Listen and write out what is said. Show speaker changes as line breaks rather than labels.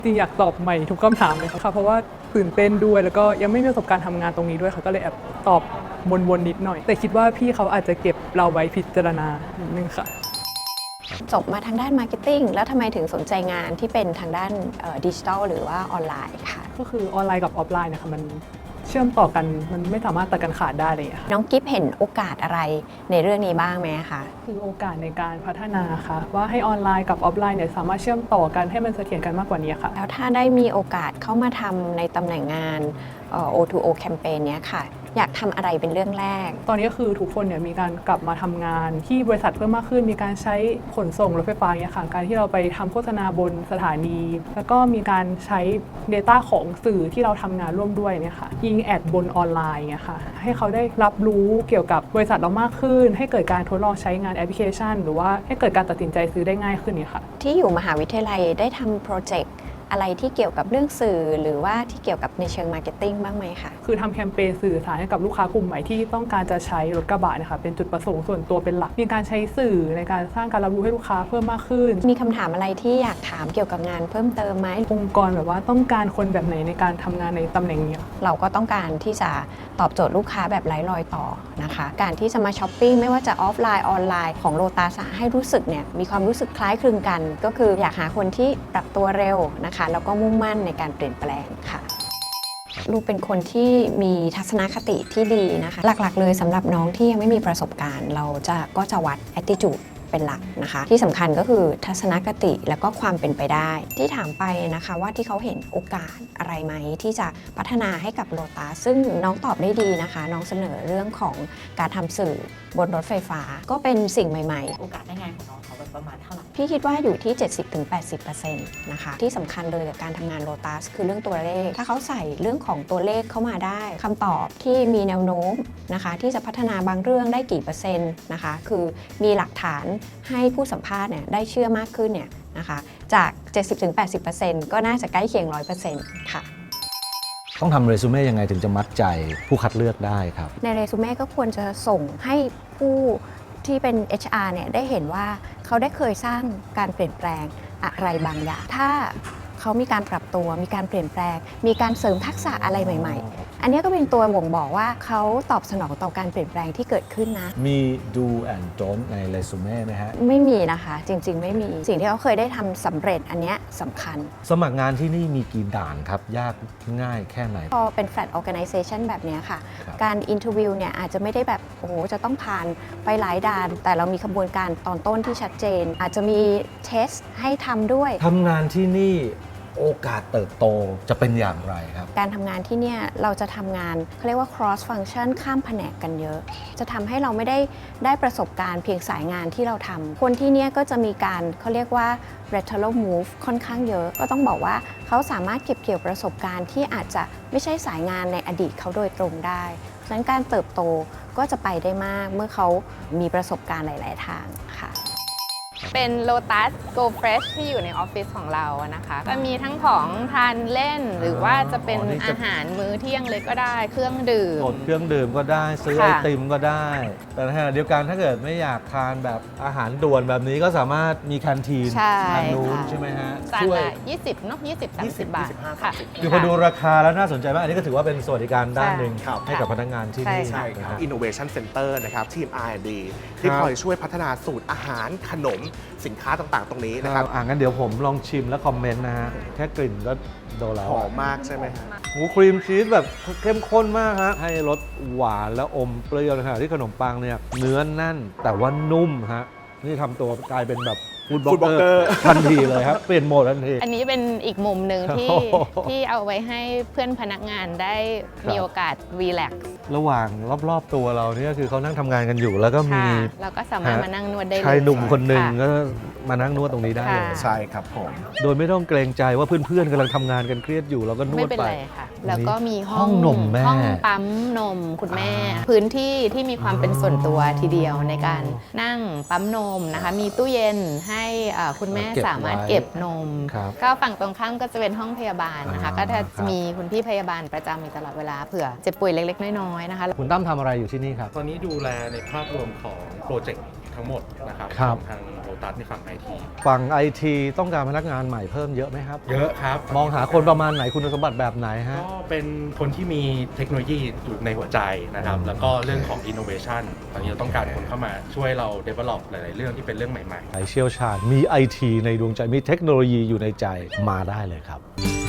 จริงอยากตอบใหม่ทุกคำถามเลยค่ะเพราะว่าตื่นเต้นด้วยแล้วก็ยังไม่มีประสบการณ์ทำงานตรงนี้ด้วยค่ะก็เลยแอบตอบวนๆนิดหน่อยแต่คิดว่าพี่เขาอาจจะเก็บเราไว้พิจารณานิดนึงค่ะ
จบมาทางด้านมาร์เก็ตติ้งแล้วทำไมถึงสนใจงานที่เป็นทางด้านดิจิทัลหรือว่าออนไลน์ค่ะ
ก็คือออนไลน์กับออฟไลน์นะคะมันเชื่อมต่อกันมันไม่สามารถตัดกันขาดได้เลยค่ะ
น้องกิฟเห็นโอกาสอะไรในเรื่องนี้บ้างไหมคะ
คือโอกาสในการพัฒนาค่ะว่าให้ออนไลน์กับออฟไลน์เนี่ยสามารถเชื่อมต่อกันให้มันเสถียรกันมากกว่านี้ค่ะ
แล้วถ้าได้มีโอกาสเข้ามาทำในตำแหน่งงาน O2O แคมเปญเนี้ยค่ะอยากทำอะไรเป็นเรื่องแรก
ตอนนี้ก็คือทุกคนเนี่ยมีการกลับมาทำงานที่บริษัทเพิ่มมากขึ้นมีการใช้ขนส่งรถไฟฟ้าเนี่ยค่ะการที่เราไปทำโฆษณาบนสถานีแล้วก็มีการใช้ Data ของสื่อที่เราทำงานร่วมด้วยเนี่ยค่ะยิงแอดบนออนไลน์เนี่ยค่ะให้เขาได้รับรู้เกี่ยวกับบริษัทเรามากขึ้นให้เกิดการทดลองใช้งานแอปพลิเคชันหรือว่าให้เกิดการตัดสินใจซื้อได้ง่ายขึ้นเนี่ยค่ะ
ที่อยู่มหาวิทยาลัยได้ทำโปรเจกต์อะไรที่เกี่ยวกับเรื่องสื่อหรือว่าที่เกี่ยวกับในเชิงมาร์เก็ตติ้งบ้างไหมคะ
คือทำแคมเปญสื่อสารให้กับลูกค้ากลุ่มใหม่ที่ต้องการจะใช้รถกระบะนะคะเป็นจุดประสงค์ส่วนตัวเป็นหลักมีการใช้สื่อในการสร้างการรับรู้ให้ลูกค้าเพิ่มมากขึ้น
มีคำถามอะไรที่อยากถามเกี่ยวกับงานเพิ่มเติมไหม
องค์กรแบบว่าต้องการคนแบบไหนในการทำงานในตำแหน่งนี้
เราก็ต้องการที่จะตอบโจทย์ลูกค้าแบบไร้รอยต่อนะคะการที่จะมาช้อปปิ้งไม่ว่าจะออฟไลน์ออนไลน์ของโลตัสให้รู้สึกเนี่ยมีความรู้สึกคล้ายคลึงกันก็คืออยากหาคนที่ปรับตัวเร็วนะคะแล้วก็มุ่งมั่นในการเปลี่ยนแปลงค่ะลูกเป็นคนที่มีทัศนคติที่ดีนะคะหลักๆเลยสำหรับน้องที่ยังไม่มีประสบการณ์เราก็จะวัด attitude เป็นหลักนะคะที่สำคัญก็คือทัศนคติแล้วก็ความเป็นไปได้ที่ถามไปนะคะว่าที่เขาเห็นโอกาสอะไรไหมที่จะพัฒนาให้กับโลตัสซึ่งน้องตอบได้ดีนะคะน้องเสนอเรื่องของการทำสื่อบนรถไฟฟ้าก็เป็นสิ่งใหม่ๆ
โอกาสได้งานของน้องเขาประมาณเท่าไหร่
พี่คิดว่าอยู่ที่ 70-80% นะคะที่สำคัญเลยกับการทำงานโลตัสคือเรื่องตัวเลขถ้าเขาใส่เรื่องของตัวเลขเข้ามาได้คำตอบที่มีแนวโน้มนะคะที่จะพัฒนาบางเรื่องได้กี่เปอร์เซ็นต์นะคะคือมีหลักฐานให้ผู้สัมภาษณ์เนี่ยได้เชื่อมากขึ้นเนี่ยนะคะจาก 70-80% ก็น่าจะใกล้เคียง 100% ค่ะ
ต้องทำเรซูเม่ยังไงถึงจะมัดใจผู้คัดเลือกได้ครับ
ในเรซูเม่ก็ควรจะส่งให้ผู้ที่เป็น HR เนี่ยได้เห็นว่าเขาได้เคยสร้างการเปลี่ยนแปลงอะไรบางอย่างถ้าเขามีการปรับตัวมีการเปลี่ยนแปลงมีการเสริมทักษะอะไรใหม่ๆอันนี้ก็เป็นตัวบ่งบอกว่าเขาตอบสนองต่อการเปลี่ยนแปลงที่เกิดขึ้นนะ
มี do and don't ในเรซูเม่ไหมฮะ
ไม่มีนะคะจริงๆไม่มีสิ่งที่เขาเคยได้ทำสำเร็จอันนี้สำคัญ
สมัครงานที่นี่มีกี่ด่านครับยากง่ายแค่ไหน
พอเป็น flat organization แบบนี้ค่ะการ interview เนี่ยอาจจะไม่ได้แบบโอ้โหจะต้องผ่านไปหลายด่านแต่เรามีกระบวนการตอนต้นที่ชัดเจนอาจจะมีเทสให้ทำด้วย
ทำงานที่นี่โอกาสเติบโตจะเป็นอย่างไรครับ
การทำงานที่เนี่ยเราจะทำงานเขาเรียกว่า cross function ข้ามแผนกกันเยอะจะทำให้เราไม่ได้ประสบการณ์เพียงสายงานที่เราทำคนที่เนี่ยก็จะมีการเขาเรียกว่า lateral move ค่อนข้างเยอะก็ต้องบอกว่าเขาสามารถเก็บเกี่ยวประสบการณ์ที่อาจจะไม่ใช่สายงานในอดีตเขาโดยตรงได้ฉะนั้นการเติบโตก็จะไปได้มากเมื่อเขามีประสบการณ์หลายๆทางค่ะ
เป็น Lotus Go Fresh ที่อยู่ในออฟฟิศของเรานะคะก็มีทั้งของทานเล่นหรือว่าจะเป็นอาหารมื้อเที่ยงเลยก็ได้เครื่องดื่ม
เครื่องดื่มก็ได้ซื้อไอติมก็ได้แต่ในขณะเดียวกันถ้าเกิดไม่อยากทานแบบอาหารด่วนแบบนี้ก็สามารถมีแคนทีนทางนู้นใช่ไหมฮะ
ช่วย20เนาะ20-30 บาทค่ะ
คือพอดูราคาแล้วน่าสนใจมากอันนี้ก็ถือว่าเป็นสวัสดิการด้านหนึ่งให้กับพนักงานที่นี่
ใช่ครับ Innovation Center นะครับทีม R&D ที่คอยช่วยพัฒนาสูตรอาหารขนมสินค้าต่างๆตรงนี้นะครับ
งั้นเดี๋ยวผมลองชิมและคอมเมนต์นะฮะแค่กลิ่นก็โดนแล้ว
หอมมากใช่ไหมฮะ
หมูครีมชีสแบบเข้มข้นมากฮะให้รสหวานแล้วอมเปรี้ยวนะฮะที่ขนมปังเนี่ยเนื้อแน่นแต่ว่านุ่มฮะนี่ทำตัวกลายเป็นแบบฟู้ดบล็อกเกอร์ทันทีเลยครับเปลี่ยนโหมดทันที
อันนี้เป็นอีกมุมหนึ่งที่เอาไว้ให้เพื่อนพนักงานได้มีโอกาสรีแลกซ์
ระหว่างรอบๆตัวเราเนี่ยคือเขานั่งทำงานกันอยู่แล้วก็มี
เราก็สามารถมานั่งนวดได้เลย
ชายหนุ่มคนหนึ่งก็มานั่งนวดตรงนี้ได้เลย
ใช่ครับผม
โดยไม่ต้องเกรงใจว่าเพื่อนๆกำลังทำงานกันเครียดอยู่เราก็นวดไป
ไม่เป็นไรค่ะแล้วก็มี
ห้องนมแม่
ห้องปั๊มนมคุณแม่พื้นที่ที่มีความเป็นส่วนตัวทีเดียวในการนั่งปั๊มนมนะคะมีตู้เย็นให้คุณแม่สามารถเก็บนมก็ฝั่งตรงข้ามก็จะเป็นห้องพยาบาลนะคะก็จะมีคุณพี่พยาบาลประจำอยู่ตลอดเวลาเผื่อเจ็บป่วยเล็กๆน้อยๆนะคะ
คุณตั้มทำอะไรอยู่ที่นี่ครับ
ตอนนี้ดูแลในภาพรวมของโปรเจกต์ทั้งหมดนะครับทางโลตัสในฝั่ง IT
ฝั่ง IT ต้องการพนักงานใหม่เพิ่มเยอะไหมครับ
เยอะครับ
มองหาคนประมาณไหนคุณสมบัติแบบไหนฮะ
ก็เป็นคนที่มีเทคโนโลยีอยู่ในหัวใจนะครับ แล้วก็เรื่องของ innovation ตอนนี้เราต้องการคนเข้ามาช่วยเรา develop หลาย ๆ เรื่องที่เป็นเรื่องใหม่ ๆ
ใครเชี่ยวชาญมี IT ในดวงใจมีเทคโนโลยีอยู่ในใจมาได้เลยครับ